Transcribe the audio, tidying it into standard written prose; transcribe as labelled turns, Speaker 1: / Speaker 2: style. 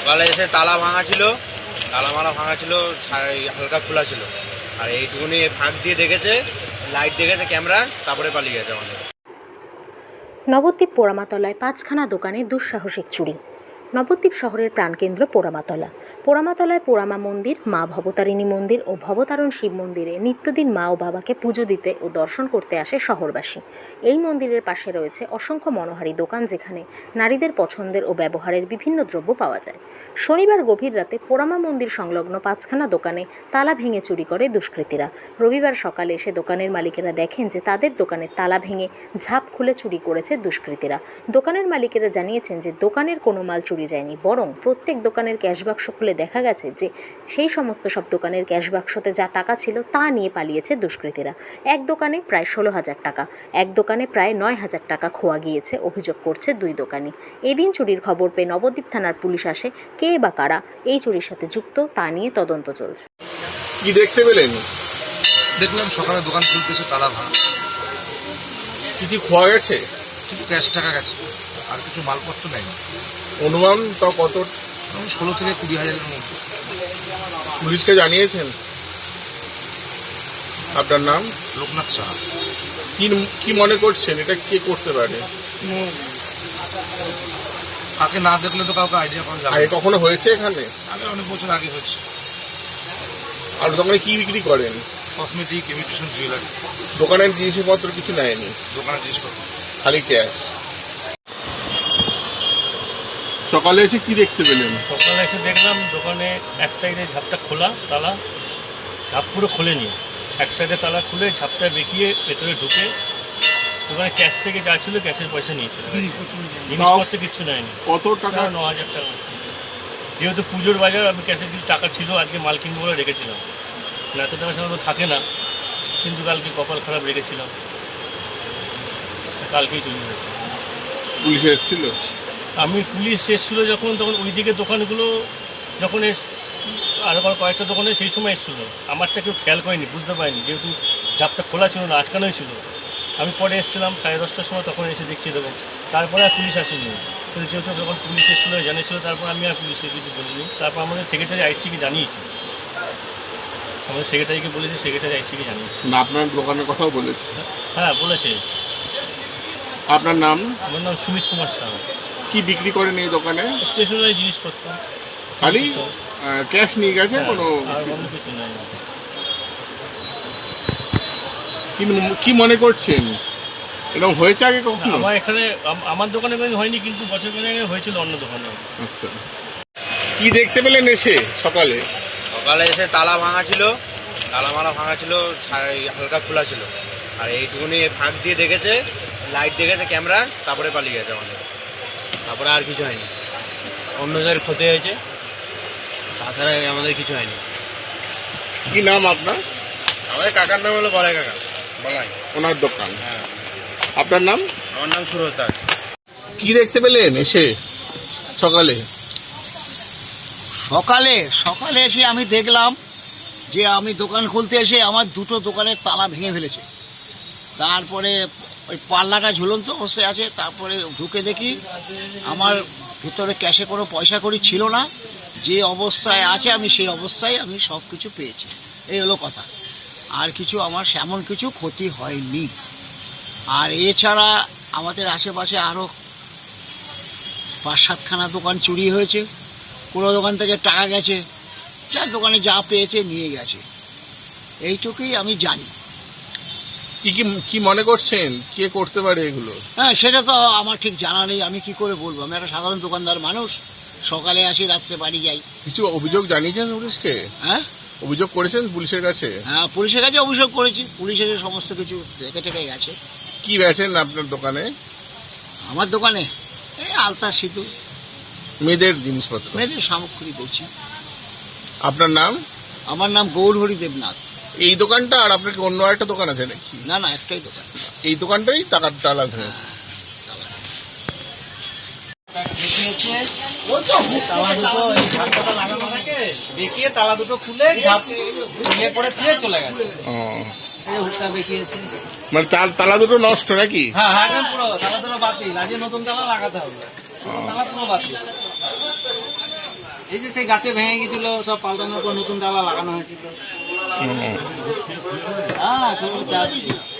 Speaker 1: সকালে এসে তালা ভাঙা ছিল, তালা মারা ভাঙা ছিল, হালকা খোলা ছিল। আর এইটুকুনি ফাঁক দিয়ে দেখেছে, লাইট দেখেছে ক্যামেরা, তারপরে পালিয়ে গেছে আমাদের।
Speaker 2: নবদ্বীপ পোড়ামাতলায় 5খানা দোকানে দুঃসাহসিক চুরি। নবদ্বীপ শহরের প্রাণকেন্দ্র পোড়ামাতলা। পোড়ামাতলায় পোড়ামা মন্দির, মা ভবতারিণী মন্দির ও ভবতারণ শিব মন্দিরে নিত্যদিন মা ও বাবাকে পুজো দিতে ও দর্শন করতে আসে শহরবাসী। এই মন্দিরের পাশে রয়েছে অসংখ্য মনোহারী দোকান, যেখানে নারীদের পছন্দের ও ব্যবহারের বিভিন্ন দ্রব্য পাওয়া যায়। শনিবার গভীর রাতে পোড়ামা মন্দির সংলগ্ন 5খানা দোকানে তালা ভেঙে চুরি করে দুষ্কৃতীরা। রবিবার সকালে এসে দোকানের মালিকেরা দেখেন যে তাদের দোকানের তালা ভেঙে ঝাঁপ খুলে চুরি করেছে দুষ্কৃতীরা। দোকানের মালিকেরা জানিয়েছেন যে দোকানের কোনো মাল চুরি যায়নি, বরং প্রত্যেক দোকানের ক্যাশ বাক্স খুলে দেখা গেছে যে সেই সমস্ত সব দোকানের ক্যাশ বাক্সতে যা টাকা ছিল তা নিয়ে পালিয়েছে দুষ্কৃতীরা। এক দোকানে প্রায় 16,000 টাকা, এক দোকানে প্রায় 9,000 টাকা খোয়া গিয়েছে, অভিযোগ করছে দুই দোকানি। এদিন চুরির খবর পেয়ে নবদ্বীপ থানার পুলিশ আসে। কে বা কারা এই চুরির সাথে যুক্ত তা নিয়ে তদন্ত চলছে।
Speaker 3: কি দেখতে পেলেন?
Speaker 4: দেখলাম সকালে দোকান খুলতেছে, তালা ভাঙা।
Speaker 3: কিছু খোয়া গেছে?
Speaker 4: কিছু ক্যাশ টাকা গেছে, আর কিছু মালপত্র নেই।
Speaker 3: অনুমান তাও কত?
Speaker 4: 16 থেকে 20,000-এর মধ্যে।
Speaker 3: পুলিশকে জানিয়েছেন? আপনার নাম?
Speaker 4: লোকনাথ সাহা।
Speaker 3: কি মনে করছেন এটা কে করতে পারে?
Speaker 4: কাকে না দেখলে তো কাউকে আইডিয়া পাওয়া যাবে
Speaker 3: আগে
Speaker 4: না।
Speaker 3: কখনো হয়েছে এখানে?
Speaker 4: আগে অনেক বছর আগে হয়েছে।
Speaker 3: আর দোকানে কি বিক্রি করেন?
Speaker 4: Cosmetic, imitation jewellery.
Speaker 3: দোকানের জিনিসপত্র কিছু নেয়নি,
Speaker 4: দোকানের জিনিসপত্র
Speaker 3: খালি ক্যাশ। সকালে এসে কি দেখতে পেলেন?
Speaker 5: সকালে এসে দেখলাম দোকানে এক সাইডে ঝাপটা খোলা, তালা ঝাপ পুরো খোলেনি। এক সাইডে তালা খুলে ঝাপটা বেঁকিয়ে ভেতরে ঢুকে দোকানে ক্যাশ থেকে যা ছিল ক্যাশের পয়সা নিয়ে চলে গেছে। জিনিসপত্র কিচ্ছু নেয়নি।
Speaker 3: কত টাকা?
Speaker 5: 9,000 টাকা। যেহেতু পুজোর বাজার, আমি ক্যাশের কিছু টাকা ছিল, আজকে মাল কিনবো বলে রেখেছিলাম। এত টাকা সাধারণত থাকে না, কিন্তু কালকে কপাল খারাপ রেখেছিলাম, কালকেই চলে গেছে।
Speaker 3: পুলিশ এসেছিল?
Speaker 5: পুলিশ এসেছিলো যখন, তখন ওই দিকে দোকানগুলো যখন আরও কয়েকটা দোকানে সেই সময় এসেছিলো। আমারটা কেউ খেয়াল করেনি, বুঝতে পারিনি, যেহেতু ঝাপটা খোলা ছিল না, আটকানোই ছিল। আমি পরে এসেছিলাম 10:30টার সময়, তখন এসে দেখছি দেখুন। তারপরে আর পুলিশ আসেনি, কিন্তু যেহেতু যখন পুলিশ এসেছিলো জানিয়েছিল, তারপর আমি আর পুলিশকে কিছু বলিনি। তারপর আমাদের সেক্রেটারি আইসিকে জানিয়েছি, আমাদের সেক্রেটারিকে বলেছি, সেক্রেটারি আইসিকে জানিয়েছি।
Speaker 3: না, আপনার দোকানের কথাও বলেছে?
Speaker 5: হ্যাঁ বলেছে।
Speaker 3: আপনার নাম?
Speaker 5: আমার নাম সুমিত কুমার সাহা।
Speaker 3: কি বিক্রি করেন এই দোকানে?
Speaker 5: স্টেশনারি জিনিসপত্র।
Speaker 3: খালি ক্যাশ নিয়ে গেছে? কোনো
Speaker 5: আর অন্য কিছু নাই।
Speaker 3: কি মনে করছেন এরকম হয়েছে আগে কখনো?
Speaker 5: আমার এখানে আমার দোকানে হয়নি, কিন্তু বছর আগে হয়েছিল অন্য দোকানে।
Speaker 3: আচ্ছা, কি দেখতে পেলেন এসে সকালে?
Speaker 1: সকালে এসে তালা ভাঙা ছিল, তালা মারা ভাঙা ছিল, হালকা খোলা ছিল। আর এইটুকুনি ফাঁক দিয়ে দেখেছে, লাইট দেখেছে ক্যামেরা, তারপরে পালিয়ে গেছে আমাদের। তারপরে আর কিছু হয়নি। অন্যদের ক্ষতি হয়েছে, তাছাড়া আমাদের কিছু হয়নি।
Speaker 3: কি নাম আপনার?
Speaker 1: আমাদের কাকার নাম হলো বলাই কাকা, বলাই।
Speaker 3: ওনার দোকান?
Speaker 1: হ্যাঁ।
Speaker 3: আপনার নাম?
Speaker 1: আমার নাম সুরজ দাস।
Speaker 3: কি দেখতে পেলেন এসে সকালে?
Speaker 6: সকালে এসে আমি দেখলাম যে আমি দোকান খুলতে এসে আমার দুটো দোকানের তালা ভেঙে ফেলেছে। তারপরে ওই পাল্লাটা ঝুলন্ত অবস্থায় আছে। তারপরে ঢুকে দেখি আমার ভিতরে ক্যাশে কোনো পয়সা কড়ি ছিল না, যে অবস্থায় আছে আমি সেই অবস্থায় আমি সব কিছু পেয়েছি। এই হলো কথা। আর কিছু আমার এমন কিছু ক্ষতি হয়নি। আর এছাড়া আমাদের আশেপাশে আরও 5-7খানা দোকান চুরি হয়েছে। কোনো দোকান থেকে টাকা গেছে, যার দোকানে যা পেয়েছে নিয়ে গেছে, এইটুকুই আমি জানি।
Speaker 3: কি মনে করছেন কে করতে পারে এগুলো?
Speaker 6: হ্যাঁ, সেটা তো আমার ঠিক জানা নেই, আমি কি করে বলবো। আমি একটা সাধারণ দোকানদার মানুষ, সকালে আসি, রাত্রে বাড়ি যাই।
Speaker 3: কিছু অভিযোগ জানিয়েছেন পুলিশকে?
Speaker 6: হ্যাঁ,
Speaker 3: অভিযোগ করেছেন পুলিশের কাছে?
Speaker 6: হ্যাঁ, পুলিশের কাছে অভিযোগ করেছি। পুলিশের সমস্ত কিছু দেখে টেকে গেছে।
Speaker 3: কি বেচেন আপনার দোকানে?
Speaker 6: আমার দোকানে এই আলতা, সিঁদুর,
Speaker 3: মেয়েদের জিনিসপত্র,
Speaker 6: মেয়েদের সামগ্রী বলছি।
Speaker 3: আপনার নাম?
Speaker 6: আমার নাম গৌরহরি দেবনাথ।
Speaker 3: এই দোকানটা আর আপনার কি অন্য একটা দোকান আছে নাকি?
Speaker 6: না, একটাই দোকান।
Speaker 3: এই দোকানটাই টাকার তালা ভেঙেছে।
Speaker 1: দেখিয়ে তালা দুটো খুলে পরে ফিরে চলে গেছে।
Speaker 3: মানে তালা দুটো নষ্ট নাকি?
Speaker 1: হ্যাঁ, একদম পুরো তালা দুটো বাতিল, আজকে নতুন তালা লাগাতে হবে। তালা পুরো বাতিল।
Speaker 7: এই যে সেই গাছে ভেঙে গেছিল, সব পাল্টানোর পর নতুন ডালা লাগানো হয়েছিল। হ্যাঁ,